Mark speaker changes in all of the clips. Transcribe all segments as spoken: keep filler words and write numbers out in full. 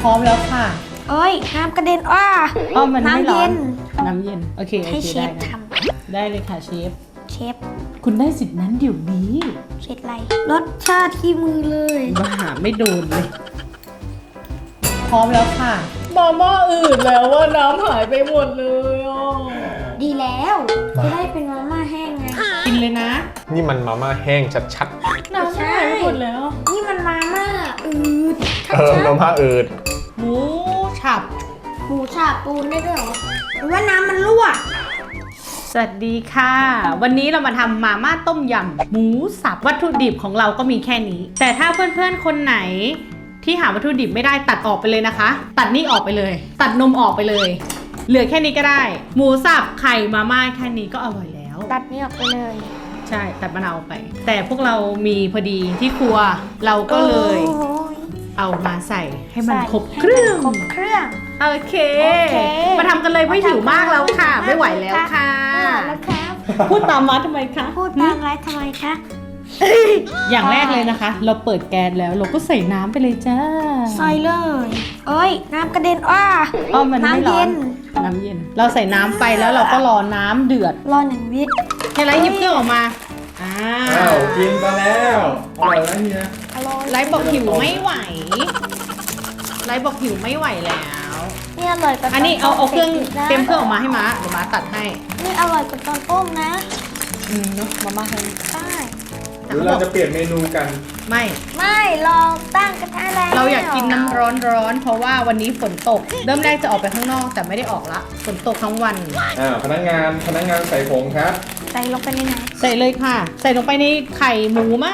Speaker 1: พร้อมแล้วค่ะ
Speaker 2: โอ้ยน้ำกระเด็นอ้า
Speaker 1: อ๋อมันไม่ร้อน
Speaker 2: น้ำเย็น
Speaker 1: น้ำเย็นโอเคโอ
Speaker 2: ให้
Speaker 1: เค
Speaker 2: เช
Speaker 1: ได้
Speaker 2: ฟ
Speaker 1: นะ
Speaker 2: ท
Speaker 1: ได้เลยค่ะเชฟ
Speaker 2: ำเชฟ
Speaker 1: คุณได้สิทธิ์นั้นเดี๋ยวนี้
Speaker 2: เชฟอะไรรสชาติที่มือเลย
Speaker 1: มาหาไม่โดนเลย พร้อมแล้วค่ะมาม่าอืดแล้วว่าน้ำหายไปหมดเลยอ่ะ
Speaker 2: ดีแล้วจะได้เป็นมาม่าแห้งไง
Speaker 1: กินเลยนะ
Speaker 3: นี่มันมาม่าแห้งชัด
Speaker 1: น้ำหายไปหมดแล้ว
Speaker 2: นี่มันมาม่าอืด
Speaker 3: ๆ เออมาม่าอืด
Speaker 1: หมูฉับ
Speaker 2: หมูฉาบปูนได้ด้วยเหรอหรือว่าน้ำมันรั่ว
Speaker 1: สวัสดีค่ะ วันนี้เรามาทำมาม่าต้มยำหมูสับวัตถุดิบของเราก็มีแค่นี้ แต่ถ้าเพื่อนๆคนไหนที่หาวัตถุดิบไม่ได้ตัดออกไปเลยนะคะ ตัดนี่ออกไปเลย ตัดนมออกไปเลย เหลือแค่นี้ก็ได้ หมูสับไข่มาม่าแค่นี้ก็อร่อยแล้ว
Speaker 2: ตัดนี่ออกไปเลย
Speaker 1: ใช่ตัดมะนาวออกไป แต่พวกเรามีพอดีที่ครัวเราก็เลย
Speaker 2: โอ้ย
Speaker 1: เอามาใส่ให้มัน
Speaker 2: ใส่
Speaker 1: ครบเครื่อง
Speaker 2: ให้มันครบเครื่อง
Speaker 1: โอเค
Speaker 2: โอเค
Speaker 1: มาทำกันเลยไม่หิวมากแล้วค่ะ ไม่ไหวแล้วค่ะ
Speaker 2: แล้วครับ
Speaker 1: พูดตามมาทำไมคะ
Speaker 2: พูดตามไรทำไมคะ
Speaker 1: อย่างแรกเลยนะคะ เราเปิดแก๊สแล้วเราก็ใส่น้ำไปเลยจ้า
Speaker 2: ใส่เลยโอ้ยน้ำกระเด็นอ้า
Speaker 1: อ๋อมันไม่
Speaker 2: น้ำ
Speaker 1: ร้อ
Speaker 2: เย็
Speaker 1: น
Speaker 2: น
Speaker 1: น้ำเย็น เราใส่น้ำไปแล้วเราก็รอน้ำเดือด
Speaker 2: รอหนึ่งวิ
Speaker 1: เฮไลท์หยิบเครื่องออกมาอ่า
Speaker 3: อ้าวกินมาแล้วอร่อยแล้วเฮีย
Speaker 2: อร่อย
Speaker 1: ไลท์บอกหิวไม่ไหวไลท์บอกหิวไม่ไหวแล้ว
Speaker 2: นี่อร่อยกว่า
Speaker 1: อันนี้เอาเอาเครื่อง
Speaker 2: ตนต้ม
Speaker 1: เต็มเครื่องออกมาให้ม้าเดี๋ยวม้าตัดให้
Speaker 2: นี่อร่อยกว่าตอนต้มนะ
Speaker 1: อืมเนาะมาม่าให้
Speaker 2: ใช่
Speaker 3: หรือเราจะเปลี่ยนเมนูกัน
Speaker 1: ไม่
Speaker 2: ไม่ลองตั้งกระทะแล้ว
Speaker 1: เราอยากกินน้ำร้อนร้อนๆเพราะว่าวันนี้ฝนตก เริ่มแรกจะออกไปข้างนอกแต่ไม่ได้ออกละฝนตกทั้งวัน
Speaker 3: อ่าพนักงานพนักงานใส่ผงครับ
Speaker 2: ใส่ลงไปในไหน
Speaker 1: ใส่เลยค่ะ ใส่ลงไปในไข่หมูมั่ง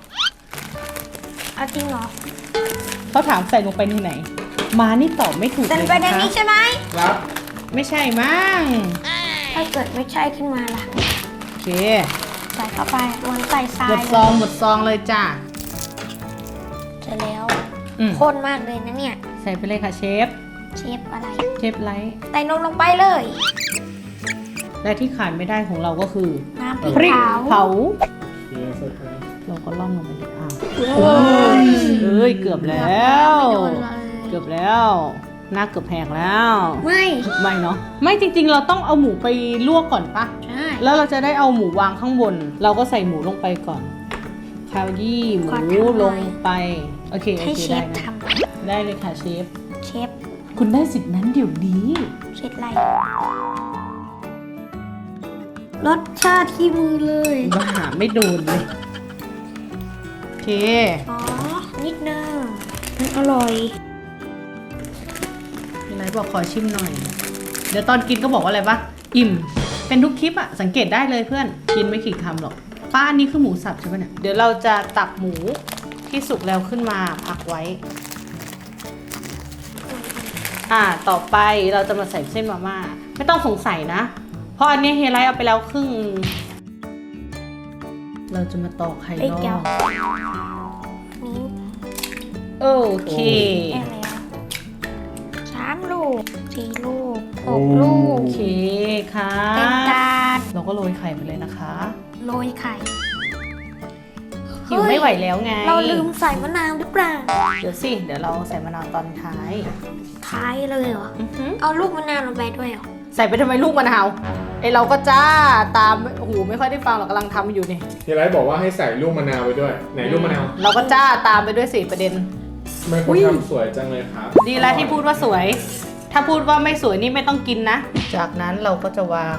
Speaker 2: เอาจริงเหรอ
Speaker 1: เขาถามใส่ลงไปในไหน มานี่ตอบไม่ถูก
Speaker 2: ใส่
Speaker 1: เล
Speaker 2: ล
Speaker 1: ย
Speaker 2: งไปใน
Speaker 1: นะคะ
Speaker 2: นี้ใช่ไหม
Speaker 3: ครับ
Speaker 1: ไม่ใช่มั่ง
Speaker 2: ถ้าเกิดไม่ใช่ขึ้นมาล่ะ
Speaker 1: โอเค
Speaker 2: ใส่เข้าไปลงใส่ทรา
Speaker 1: หม
Speaker 2: ย
Speaker 1: ดซองหมดซองเลยจ้า
Speaker 2: เสร็จแล้ว
Speaker 1: อืม
Speaker 2: ข้นมากเลยนะเนี่ย
Speaker 1: ใส่ไปเลยค่ะเชฟ
Speaker 2: เชฟอะไร
Speaker 1: เชฟไลท์
Speaker 2: ใส่นมลงไปเลย
Speaker 1: และที่ขาดไม่ได้ของเราก็คือ
Speaker 2: น้ำพริก
Speaker 1: พริก
Speaker 2: เผา
Speaker 1: เผา
Speaker 3: เฮียใส่ไป
Speaker 1: เราก็ล่อนลงไปเลยอ่ะ
Speaker 2: เอ้ย
Speaker 1: เอ้ยเกือบแล้ว
Speaker 2: ไม่โดนเลย
Speaker 1: เกือบแล้วหน้าเกือบแหกแล้ว
Speaker 2: ไม่
Speaker 1: ไม่เนาะไม่จริงๆ เราต้องเอาหมูไปลวกก่อนปะ
Speaker 2: ใช่
Speaker 1: แล้วเราจะได้เอาหมูวางข้างบน เราก็ใส่หมูลงไปก่อนคาวยี่หมูลงไปโอเคโอ
Speaker 2: ให้
Speaker 1: เค
Speaker 2: เช
Speaker 1: ได้
Speaker 2: ฟ
Speaker 1: นะ
Speaker 2: ท
Speaker 1: ได้เลยค่ะเชฟ
Speaker 2: ำเชฟ
Speaker 1: คุณได้สิทธิ์นั้นเดี๋ยวนี้
Speaker 2: เชฟอะไรรสชาติที่มือเลย
Speaker 1: มาหาไม่โดนเลยโอเค
Speaker 2: อ๋อ นิดนึงมันอร่อย
Speaker 1: มีอะไรบอกขอชิมหน่อย เดี๋ยวตอนกินก็บอกว่าอะไรปะอิ่มเป็นทุกคลิปอะสังเกตได้เลยเพื่อนกินไม่กี่คำหรอกป้าอันนี้คือหมูสับใช่ปะเนี่ยเดี๋ยวเราจะตักหมูที่สุกแล้วขึ้นมาพักไว้ อ่า ต่อไปเราจะมาใส่เส้นมาม่าไม่ต้องสงสัยนะ เพราะอันนี้เฮไลท์เอาไปแล้วครึ่ง เราจะมาตอกไข่
Speaker 2: ไอ้
Speaker 1: รอ
Speaker 2: แก้ว
Speaker 1: บ
Speaker 2: นี้
Speaker 1: โอเค
Speaker 2: แก้วแล้วสามลูกสี่ลูกหกลู
Speaker 1: โอก เคค่ะ
Speaker 2: เต็มจาน
Speaker 1: เราก็โรยไข่ไปเลยนะคะ
Speaker 2: โรยไข่
Speaker 1: หิวไม่ไหวแล้วไง
Speaker 2: เราลืมใส่มะนาวหรือเปล่า
Speaker 1: เดี๋ยวสิ เดี๋ยวเราใส่มะนาวตอนท้าย
Speaker 2: ท้ายเลยเหรอ
Speaker 1: อือหือ
Speaker 2: เอาลูกมะนาวลงไปด้วยเหรอ
Speaker 1: ใส่ไปทำไมลูกมะนาวไอเราก็จ้าตามโอ้โหไม่ค่อยได้ฟังหรอกกำลังทำอยู่นี่
Speaker 3: เฮียไรบอกว่าให้ใส่ลูกมะนาวไปด้วย ไหนลูกมะนาว
Speaker 1: เราก็จ้าตามไปด้วยสิประเด็น
Speaker 3: ทำไมคนทำสวยจังเลยครับ
Speaker 1: ดีแล้วที่พูดว่าสวย ถ้าพูดว่าไม่สวยนี่ไม่ต้องกินนะ จากนั้นเราก็จะวาง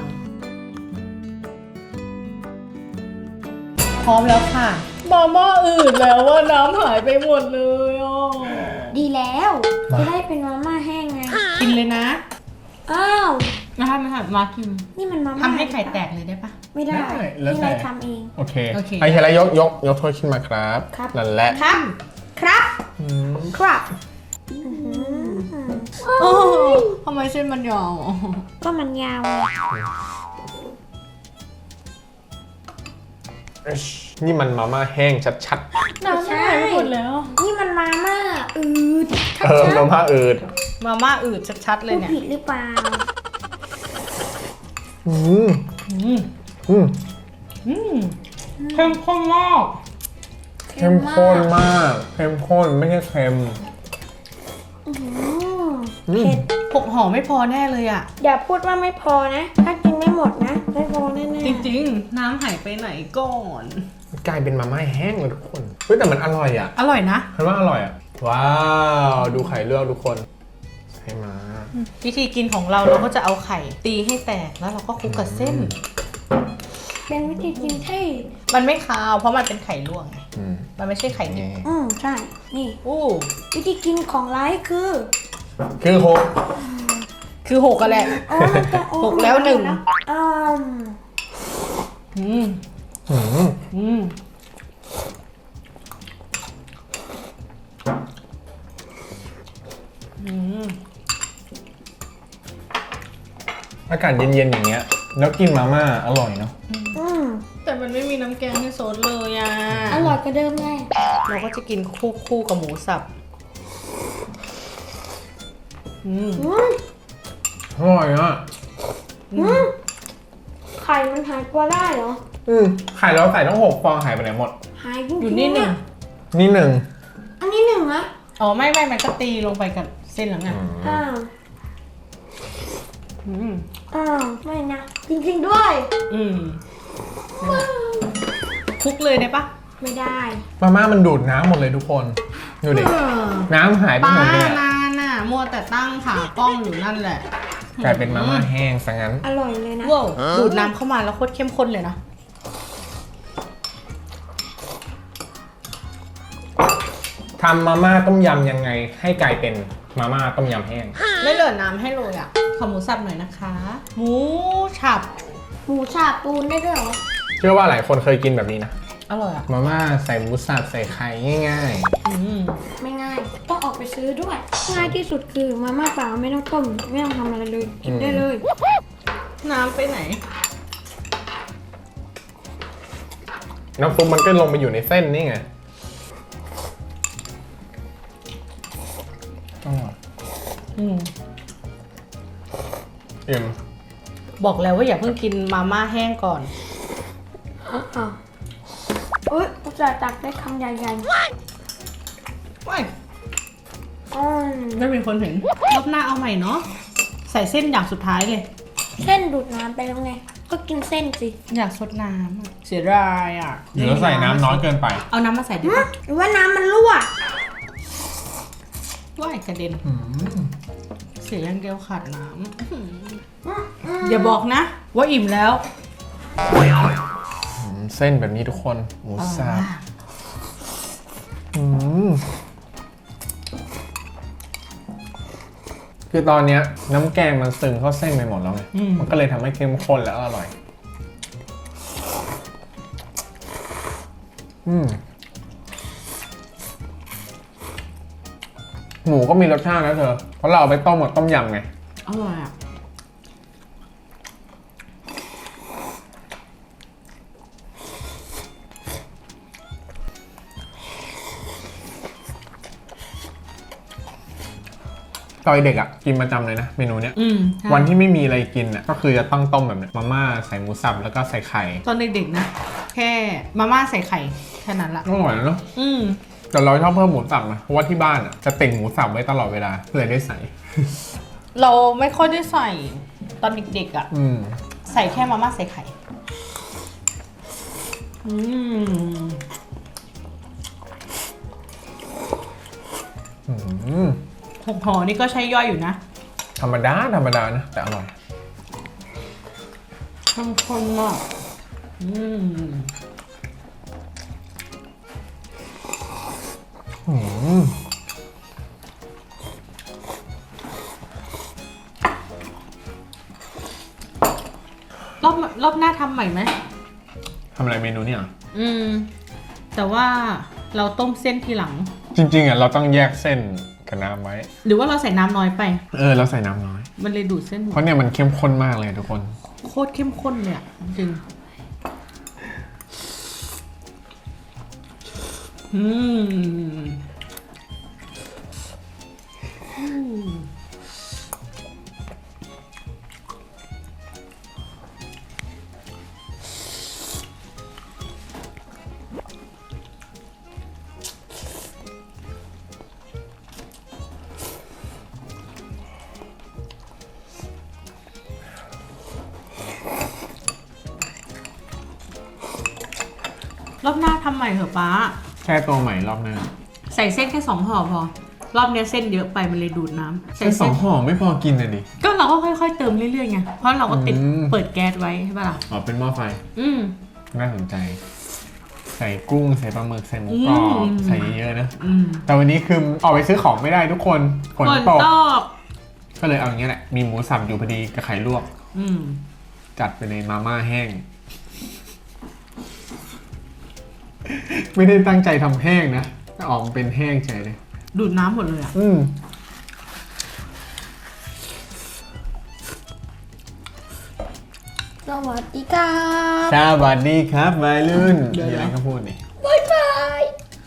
Speaker 1: พร้อมแล้วค่ะมาม่าอืดแล้วว่าน้ำหายไปหมดเลยอ่ะ
Speaker 2: ดีแล้วจะได้เป็นมาม่าแห้งไง
Speaker 1: กินเลยนะ
Speaker 2: อ้าว
Speaker 1: นะคะไม่ค่ะมากิน
Speaker 2: นี่มันมาม่า
Speaker 1: ทำให้ไข่แตกเลยได้ปะ
Speaker 2: ไม่ได้
Speaker 3: ได้แล้ว
Speaker 2: ที่
Speaker 3: แต่
Speaker 2: เราทำเอง
Speaker 3: โอเค
Speaker 1: โอเค
Speaker 3: ให้เฮียไรยกยกยกถ้วยขึ้นมาครับ
Speaker 2: ครับ
Speaker 3: นั่นแหละ
Speaker 1: ครับ
Speaker 2: ครับ
Speaker 3: อืม
Speaker 2: ครับ
Speaker 1: โอ้ทำไมเส้นมันยาวอ่ะ
Speaker 2: ก็มันยาว
Speaker 3: นี่มันมาม่าแห้งชัด
Speaker 1: น้ำหายไปหมดแล้ว
Speaker 2: นี่มันมาม่าอืด
Speaker 3: ๆ เออมาม่าอืด
Speaker 1: มาม่าอืดชัดๆเล
Speaker 2: พู
Speaker 1: ย
Speaker 2: ด
Speaker 1: เนี่ย
Speaker 2: ผิดหรือเปล่า
Speaker 3: อืม
Speaker 1: อืม
Speaker 3: อืม
Speaker 1: อืมเข้มข้นมาก
Speaker 3: เข้มข้นมากเข้มข้นไม่ใช่เค็ม
Speaker 2: อืหือ
Speaker 3: อืม
Speaker 2: เผ็ด
Speaker 1: หกห่อไม่พอแน่เลยอะ
Speaker 2: อย่าพูดว่าไม่พอนะ ถ้ากินไม่หมดนะ ไม่พอแน่ๆ
Speaker 1: จริงๆ น้ำหายไปไหนก่อน
Speaker 3: กลายเป็นมาม่าแห้งเลยทุกคนเฮ้ยแต่มันอร่อยอ่ะ
Speaker 1: อร่อยนะ
Speaker 3: คิดว่าอร่อยอ่ะว้าวดูไข่ลวกทุกคนใช่มา
Speaker 1: วิธีกินของเราเราก็จะเอาไข่ตีให้แตกแล้วเราก็คลุกกับเส้น
Speaker 2: เป็นวิธีกินที่
Speaker 1: มันไม่คาวเพราะมันเป็นไข่ลวกไง
Speaker 3: อืม
Speaker 1: มันไม่ใช่ไข่ดิบ
Speaker 3: นี่
Speaker 2: อืมใช่ นี่
Speaker 1: อู้
Speaker 2: วิธีกินของไลฟ์คือ
Speaker 3: คือหก
Speaker 1: คือหกกันแหละ
Speaker 2: โอ้มันจะโอ้
Speaker 1: หกแล้วหนึ่ง
Speaker 2: อืม
Speaker 1: อืม
Speaker 3: อืม
Speaker 1: อืม อืม
Speaker 3: อากาศเย็นๆอย่างเงี้ยแล้วกินมาม่าอร่อยเนาะ
Speaker 2: อืม
Speaker 1: แต่มันไม่มีน้ำแกงให้ซดเลยอ่ะ
Speaker 2: อร่อยกว่าเดิมไง
Speaker 1: เราก็จะกินคู่คู่กับหมูสับ อืม
Speaker 2: อืม
Speaker 3: อร่อยอ่ะ
Speaker 2: อืมไข่มันหายตัวได้เหรอ
Speaker 3: อืมไข่เราใส่ต้องหกฟองหายไปไหนหมด
Speaker 2: หายจริงๆ
Speaker 1: อยู่นี่หนึ่ง
Speaker 2: ะ
Speaker 3: นี่หนึ่ง
Speaker 2: อันนี้หนึ่งนะ
Speaker 1: อ๋อไม่ไม่มันก็ตีลงไปกับเส้นแล้วไง
Speaker 2: อ้าว
Speaker 1: อืม
Speaker 2: อ้าวไม่นะ จริงๆด้วย
Speaker 1: อืมคลุกเลยได้ปะ
Speaker 2: ไม่ได้
Speaker 3: มาม่ามันดูดน้ำหมดเลยทุกคนดูดิ
Speaker 1: เออ
Speaker 3: น้ำหายไป
Speaker 1: ป้า
Speaker 3: หมดเลยอะ
Speaker 1: นานน่ะมัวแต่ตั้งขากล้องอยู่นั่นแหละ
Speaker 3: กลายเป็นมาม่าแห้งซะงั้น
Speaker 2: อร่อยเลยนะ
Speaker 1: ว้าวดูดน้ำเข้ามาแล้วโคตรเข้มข้นเลยนะ
Speaker 3: ทำมาม่าต้มยำยังไงให้กลายเป็นมาม่าต้มยำแห้ง
Speaker 1: ไม่เหลือน้ำให้เลยอ่ะขอหมูสับหน่อยนะคะ หมูฉับ
Speaker 2: หมูฉาบปูนได้ด้วยเหรอ
Speaker 3: เชื่อว่าหลายคนเคยกินแบบนี้นะ
Speaker 1: อร่อยอ่ะ
Speaker 3: มาม่าใส่หมูสับใส่ไข่ง่าย
Speaker 1: อืม
Speaker 2: ไม่ง่าย ต้องออกไปซื้อด้วย ง่ายที่สุดคือมาม่าเปล่าไม่ต้องต้ม ไม่ต้องทำอะไรเลย กินได้เลย
Speaker 1: น้ำไปไหน
Speaker 3: ๆ น้ำซุปมันก็ลงไปอยู่ในเส้นนี่ไงอร่อย
Speaker 1: อืม
Speaker 3: เอ็ม
Speaker 1: บอกแล้วว่าอย่าเพิ่งกินมาม่าแห้งก่อน
Speaker 2: อ้าวอุ้ยอุตส่าห์ตักได้คำใหญ่
Speaker 1: ว้าย
Speaker 2: ๆอืม
Speaker 1: ไม่มีคนเห็น รอบหน้าเอาใหม่เนาะ ใส่เส้นอย่างสุดท้ายเลย
Speaker 2: เส้นดูดน้ำไปแล้วไง ก็กินเส้นสิ
Speaker 1: อยากซดน้ำอะเสียดายอ่ะ
Speaker 3: หรือใส่น้ำน้อยเกินไป
Speaker 1: เอาน้ำมาใส่ดิ
Speaker 2: หึหรือว่าน้ำมันรั่ว
Speaker 1: ว่ายกระเด็น
Speaker 3: อืม
Speaker 1: เสียอย่างเดียวขาดน้ำอย่าบอกนะ ว่าอิ่มแล้ว
Speaker 3: อืมเส้นแบบนี้ทุกคนหมูสับอืมคือตอนเนี้ยน้ำแกงมันซึงเข้าเส้นไปหมดแล้วไง
Speaker 1: อืม
Speaker 3: มันก็เลยทำให้เข้มข้นและอร่อย อืมหมูก็มีรสชาตินะเธอ เพราะเราเอาไปต้มกับต้มยำไง
Speaker 1: อร่อยอ่ะ
Speaker 3: ตอนเด็กอ่ะกินประจำเลยนะเมนูเนี้ย
Speaker 1: อืมใช่
Speaker 3: วันที่ไม่มีอะไรกินอ่ะก็คือจะต้องต้มแบบเนี้ยมาม่าใส่หมูสับแล้วก็ใส่ไข่
Speaker 1: ตอนเด็กๆนะ แค่มาม่าใส่ไข่แค่นั้นละ
Speaker 3: อร่อยนะเนาะ
Speaker 1: อืม
Speaker 3: แต่เราชอบเพิ่มหมูสับนะเพราะว่าที่บ้านอ่ะจะติ่งหมูสับไว้ตลอดเวลาเลยได้ใส่
Speaker 1: เราไม่ค่อยได้ใส่ตอนเด็กๆอ่ะ
Speaker 3: อืม
Speaker 1: ใส่แค่มาม่าใส่ไข่ อืม
Speaker 3: อืม
Speaker 1: หกห่อนี่ก็ใช้ย่อยอยู่นะ
Speaker 3: ธรรมดาธรรมดานะแต่อร่อย
Speaker 1: เข้มข้นมาก อืม
Speaker 3: อืม
Speaker 1: รอบรอบหน้าทำใหม่ไหม
Speaker 3: ทำอะไรเมนูเนี่ยเหรอ
Speaker 1: อืม แต่ว่าเราต้มเส้นทีหลัง
Speaker 3: จริงๆอ่ะเราต้องแยกเส้นกับน้ำไว้
Speaker 1: หรือว่าเราใส่น้ำน้อยไป
Speaker 3: เออเราใส่น้ำน้อย
Speaker 1: มันเลยดูดเส้นหม
Speaker 3: เพ
Speaker 1: ด
Speaker 3: ราะเนี่ยมันเข้มข้นมากเลยทุกคน
Speaker 1: โคตรเข้มข้นเลยอะจริง อืมอืมรอบหน้าทำใหม่เถอะป้า
Speaker 3: แค่ตัวใหม่รอบหน้า
Speaker 1: ใส่เส้นแค่สองห่อพอ รอบเนี้ยเส้นเยอะไปมันเลยดูดน้ำใส่
Speaker 3: แค่ส
Speaker 1: เส้
Speaker 3: อน งห่อไม่พอกินเลยดิ
Speaker 1: ก็เราก็ค่อยๆเติมเรื่อยๆไง เพราะเราก็ติด
Speaker 3: อืม
Speaker 1: เปิดแก๊สไว้ใช่ปะล่ะ
Speaker 3: อ๋อเป็นหม้อไฟ
Speaker 1: อืม
Speaker 3: น่าสนใจ ใส่กุ้งใส่ปลาหมึกใส่หมูกรอบ
Speaker 1: อืม
Speaker 3: ใส่เยอะๆนะ
Speaker 1: อืม
Speaker 3: แต่วันนี้คือออกไปซื้อของไม่ได้ทุกคนฝน
Speaker 1: ฝน
Speaker 3: ตก
Speaker 1: ตก
Speaker 3: ก็เลยเอาอย่างเงี้ยแหละมีหมูสับอยู่พอดีกับไข่ลวก
Speaker 1: อืม
Speaker 3: จัดไปในมาม่าแห้ง ไม่ได้ตั้งใจทำแห้งนะแต่ออกมาเป็นแห้งเฉยเลย
Speaker 1: ดูดน้ำหมดเลยอ่ะ
Speaker 3: อืม
Speaker 2: สวัสดีครับ
Speaker 3: สวัสดีครับวัยรุ่น
Speaker 1: เดี๋ยว
Speaker 3: มีอะไร
Speaker 1: นะ
Speaker 3: ก็พูดนี่
Speaker 2: บายบาย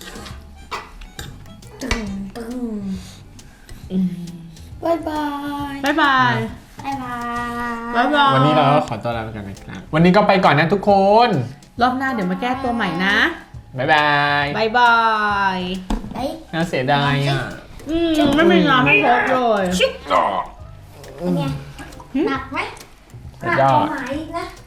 Speaker 2: ตึงตึง
Speaker 1: อืม
Speaker 2: บายบาย
Speaker 1: บ๊ายบาย
Speaker 2: บายบาย
Speaker 1: บ๊ายบาย
Speaker 3: วันนี้เราก็ขอตัวลาไปก่อนนะครับ วันนี้ก็ไปก่อนนะทุกคน
Speaker 1: รอบหน้าเดี๋ยวมาแก้ตัวใหม่นะ
Speaker 3: บ๊ายบาย
Speaker 1: บ๊ายบาย
Speaker 2: ไอ้
Speaker 3: น่าเสียดายอ่ะ
Speaker 1: อืมไม่มีน้ำให้พกเลย
Speaker 2: เป็นไงหนักไหมหนักกว่าหมายอีกนะ